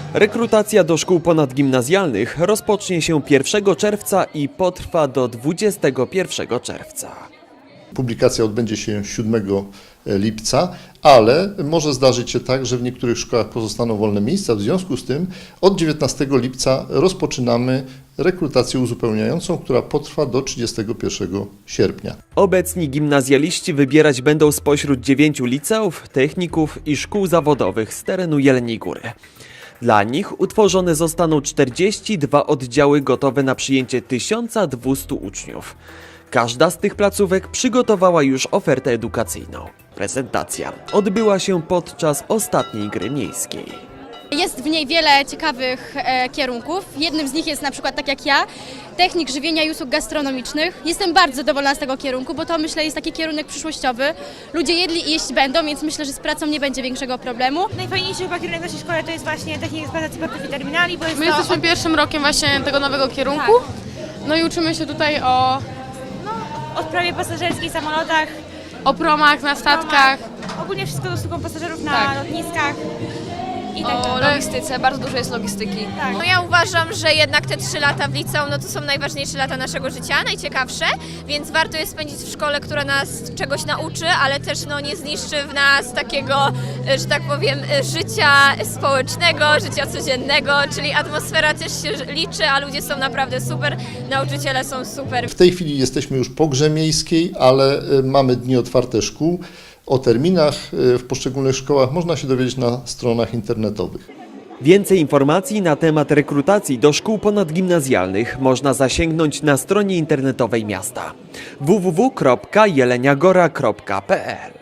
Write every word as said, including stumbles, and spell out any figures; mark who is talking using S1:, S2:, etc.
S1: Rekrutacja do szkół ponadgimnazjalnych rozpocznie się pierwszego czerwca i potrwa do dwudziestego pierwszego czerwca.
S2: Publikacja odbędzie się siódmego lipca, ale może zdarzyć się tak, że w niektórych szkołach pozostaną wolne miejsca. W związku z tym od dziewiętnastego lipca rozpoczynamy rekrutację uzupełniającą, która potrwa do trzydziestego pierwszego sierpnia.
S1: Obecni gimnazjaliści wybierać będą spośród dziewięciu liceów, techników i szkół zawodowych z terenu Jeleniej Góry. Dla nich utworzone zostaną czterdzieści dwa oddziały gotowe na przyjęcie tysiąc dwieście uczniów. Każda z tych placówek przygotowała już ofertę edukacyjną. Prezentacja odbyła się podczas ostatniej gry miejskiej.
S3: Jest w niej wiele ciekawych e, kierunków. Jednym z nich jest na przykład, tak jak ja, technik żywienia i usług gastronomicznych. Jestem bardzo zadowolona z tego kierunku, bo to myślę jest taki kierunek przyszłościowy. Ludzie jedli i jeść będą, więc myślę, że z pracą nie będzie większego problemu.
S4: Najfajniejszy chyba kierunek w naszej szkole to jest właśnie technika eksploatacji portów i terminali, bo jest
S5: My
S4: to
S5: jesteśmy
S4: od,
S5: pierwszym rokiem właśnie tego nowego kierunku. No i uczymy się tutaj o,
S4: odprawie pasażerskiej, samolotach,
S5: o promach na statkach.
S4: ogólnie wszystko z usługą pasażerów na
S5: Tak.
S4: lotniskach i tak
S6: O
S4: dalej.
S6: logistyce, bardzo dużo jest logistyki.
S4: Tak.
S7: No ja uważam, że jednak te trzy lata w liceum, no to są najważniejsze lata naszego życia, najciekawsze, więc warto je spędzić w szkole, która nas czegoś nauczy, ale też no, nie zniszczy w nas takiego, że tak powiem, życia społecznego, życia codziennego, czyli atmosfera też się liczy, a ludzie są naprawdę super, nauczyciele są super.
S2: W tej chwili jesteśmy już po grze miejskiej, ale y, mamy dni otwarte szkół. O terminach y, w poszczególnych szkołach można się dowiedzieć na stronach internetowych.
S1: Więcej informacji na temat rekrutacji do szkół ponadgimnazjalnych można zasięgnąć na stronie internetowej miasta w w w kropka jeleniagora kropka p l.